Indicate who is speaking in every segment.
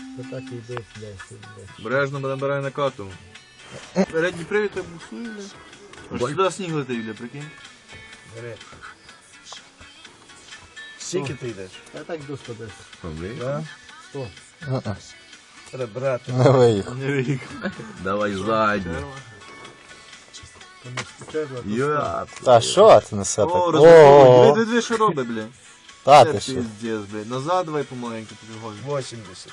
Speaker 1: То так і йде десь.
Speaker 2: Бережно набирай на кату. Передній привід я буксую, бля. Аж сюди сніг летить, бля, прикинь.
Speaker 3: Бери. Скільки ти йдеш?
Speaker 1: Я так до 100 десь.
Speaker 3: Да?
Speaker 1: 100.
Speaker 3: Треба брати.
Speaker 4: Не виїхав.
Speaker 2: Не вік. Давай задню.
Speaker 1: Тому спочатку.
Speaker 2: Йоп.
Speaker 4: Та що ти несе так?
Speaker 2: О, розраховуй.
Speaker 4: Ого.
Speaker 2: Диви, що робить, бля.
Speaker 4: Та
Speaker 2: Це
Speaker 4: ти що?
Speaker 2: пиздец, бля. Назад давай помаленьку підгоню.
Speaker 3: 80.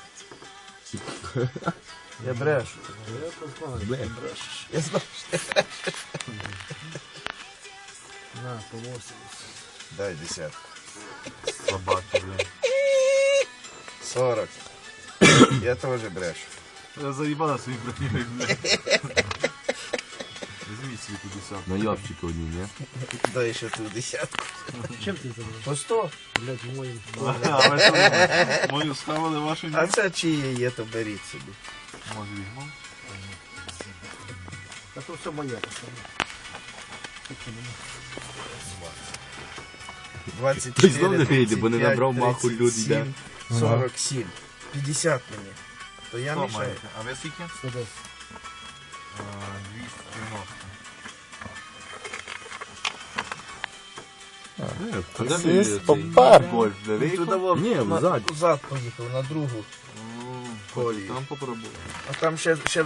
Speaker 3: Я брешу.
Speaker 1: Я то знаю.
Speaker 3: Я знаю.
Speaker 1: На, по 80.
Speaker 3: Дай десятку.
Speaker 2: Собаки, бля.
Speaker 3: 40. Я теж брешу.
Speaker 2: Я заїбала свої броньою, бля. Візьміть свій 50.
Speaker 5: Наявчики одні, ні?
Speaker 3: Дай ще ту десятку.
Speaker 1: Чим ти забрав?
Speaker 3: По 100.
Speaker 1: Блять, моїм.
Speaker 2: А ви що, мою схавали, вашу ні?
Speaker 3: А це чиє є, то беріть собі.
Speaker 2: Може візьму?
Speaker 1: Та то все моє.
Speaker 3: Двадцять
Speaker 5: Знов не вийде, бо не набрав маху люди, йде.
Speaker 3: 47. 50 мені. То я
Speaker 2: Що
Speaker 3: мішаю.
Speaker 2: маєте? А ви скільки?
Speaker 1: 110.
Speaker 2: 290.
Speaker 4: Сіс попер.
Speaker 2: Больш, де
Speaker 3: Він туди вов-
Speaker 5: Ні,
Speaker 3: на-
Speaker 5: взад.
Speaker 3: взад поїхав, на другу. Колію.
Speaker 2: Там попробую.
Speaker 3: А там ще